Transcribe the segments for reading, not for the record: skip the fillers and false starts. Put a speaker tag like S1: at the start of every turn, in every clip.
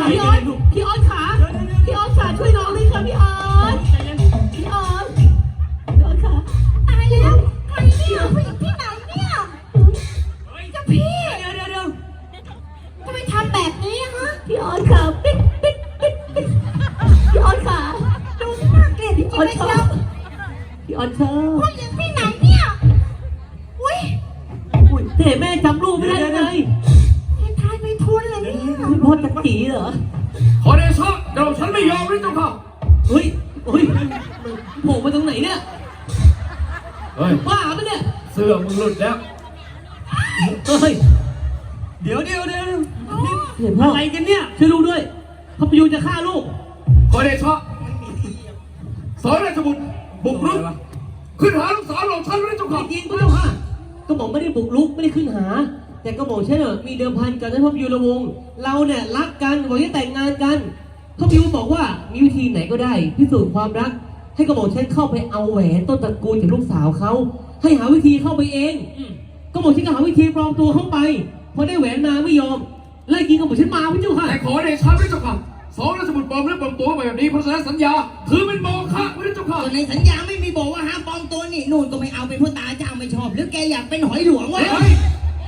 S1: พี่ออสพี่ออสขาพี่ออสขาช่วยน้องด้วยค่ะพี่ออสพี่ออสพี่ออสขาตายแล้วใครเนี่ยผู้หญิงที่ไหนเนี่ยเจ้าพี่เดี๋ยวทำไมทำแบบนี้ฮะพี่ออสขาปิ๊ดพี่ออสขาดูน่าเกลียดจริงๆเลยเชียวพี่ออสเธอผู้หญิงที่ไหนเนี่ยอุ้ยเด็กแม่จำรูปไม่ได้เลยทายไปทุนเลยเนี่ยคุณพ่อจะตีเหรอ
S2: ขอเดชะเดี๋ยวฉันไม่ยอมเลยเจ้าค่ะ
S1: เฮ้ยโผล่มาตรงไหนเนี่ยบ้าปะเนี่ย
S2: เสื้อมึงหลุดแล้ว
S1: เฮ้ยเดี๋ยวอะไรกันเนี่ยช่วยลูกด้วยพระประยูนจะฆ่าลูก
S2: ขอเดชะสอนราชบุตรบุกรุกขึ้นหาลูกสาวของฉันเลยเจ้าค่ะ
S1: จริงก็เจ้าค่ะก็บอกไม่ได้บุกรุกไม่ได้ขึ้นหาแต่ก็บอกใช่เหรอมีเดิมพันกันนะพระประยูนละวงเราเนี่ยรักกันบอกจะแต่งงานกันพระประยูนบอกว่ามีวิธีไหนก็ได้พิสูจน์ความรักให้กระบอกฉันเข้าไปเอาแหวนต้นตระกูลจากลูกสาวเขาให้หาวิธีเข้าไปเองก็บอกฉันก็หาวิธีปลอมตัวเข้าไปพอได้แหวนมาไม่ยอมไล่กินกระบอกฉันมาพี่เจ้าค่ะ
S2: แต่ขอเดชะด้วยเจ้าค่ะสองราชบุตรปลอมและปลอมตัวแบบนี้เพราะฉะนั้นสัญญาถือเป็นโมฆะไว้ด้วยเจ้าค่ะ
S3: ในสัญญาไม่มีบอกว่าห้ามปลอมตัวนี่นู่นก็ไม่เอาเป็นพ่อตาเจ้าไม่ชอบหรือแกอยากเป็นหอยหลวงวะ
S1: ท่านหอย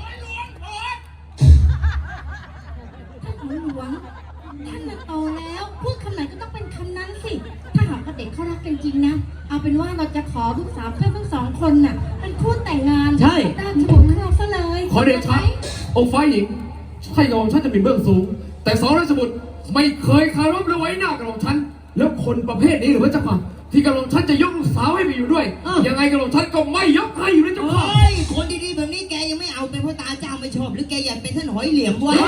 S1: หลวงท่านโตแล้วพูดคำไหนก็ต้องเป็นคำนั้นสิถ้าหากว่าเด็กเขารักกันจริงนะเอาเป็นว่าเราจะขอลูกสาวเพื่อนทั้งสองคนน่ะเป็นคู่แต่งงาน
S3: ใช่
S1: ตามฉบับของเราซะเลย
S2: ขอเดชะองค์ฝ่ายหญิงใช่ยอมฉันจะเป็นเบื้องสูงแต่สองราชบุตรไม่เคยคารพและไว้หน้ากระหม่อมฉันแล้วคนประเภทนี้หรือว่าเจ้าค่ะที่กระหม่อมฉันจะยกลูกสาวให้ไปอยู่ด้วยยังไงกระหม่อมฉันก็ไม่ยกให้อยู่ด้วยเจ้าค่ะ
S3: คนดีๆแบบนี้แกยังไม่เอาเป็นพ่อตาเจ้าไม่ชอบหรือแกอยากเป็นท่านหอยเหลี่ยมวะ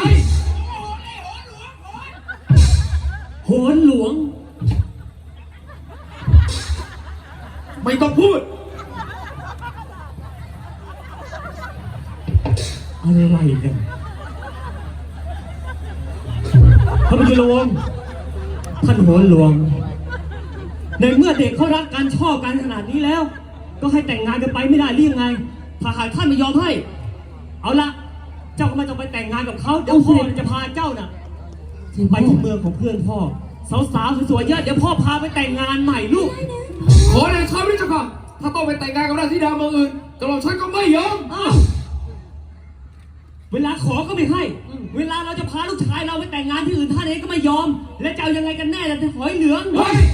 S1: โหนหลวง
S2: ไม่ต้องพูด
S1: อะไรกันพระประยูรวงท่านโหนหลวงในเมื่อเด็กเขารักกันชอบกันขนาดนี้แล้วก็ให้แต่งงานกันไปไม่ได้หรือยังไงถ้าหากท่านไม่ยอมให้เอาละเจ้าก็ไม่ต้องไปแต่งงานกับเขาเดี๋ยวพ่อจะพาเจ้าน่ะไปที่เมืองของเพื่อนพ่อสาวๆสวยๆเยอะเดี๋ยวพ่อพาไปแต่งงานใหม่ลูก
S2: ขอเดชะด้วยเจ้าค่ะถ้าต้องไปแต่งงานกับราชธิดาเมืองอื่นกระหม่อมฉันก็ไม่ยอม
S1: เวลาขอก็ไม่ให้เวลาเราจะพาลูกชายเราไปแต่งงานที่อื่นท่านเองก็ไม่ยอมและจะเอายังไงกันแน่ล่ะหอยเหลือง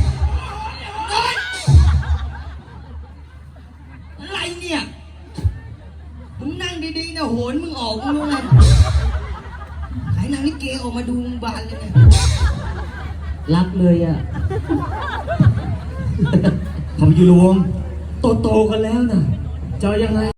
S3: อะไรเนี่ยมึงนั่งดีๆนะโหนมึงออกมึงเลยขายนางลิเกออกมาดูบานเลยเนี่ย
S1: รักเลยอ่ะพระประยูรวงโตๆกันแล้วนะจะยังไง